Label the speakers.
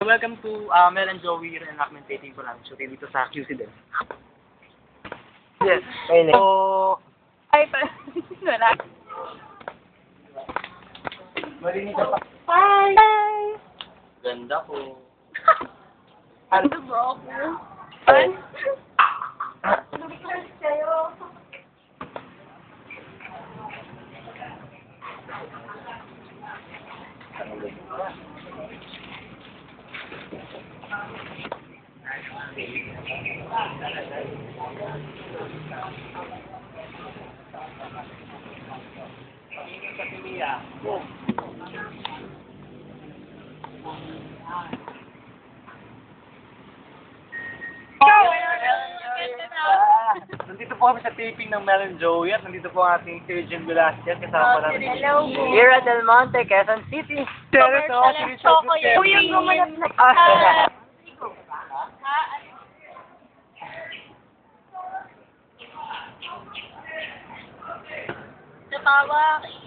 Speaker 1: Welcome to Mel and Joey reenactment taping ko lang. Shooting dito sa QC din. Yes. Ayun. So,
Speaker 2: Ay, wala.
Speaker 1: marinig ka pa.
Speaker 2: Hi! Hi!
Speaker 1: Ganda po.
Speaker 2: Ano bro ako? Ano? Sa'yo.
Speaker 1: Nandito po kami sa taping ng Mel and Joey at nandito po ang ating Sir Velasquez kasama namin.
Speaker 2: Hello po.
Speaker 1: Here at Del Monte, Quezon City.
Speaker 2: Kuya, gumanap na Natawa.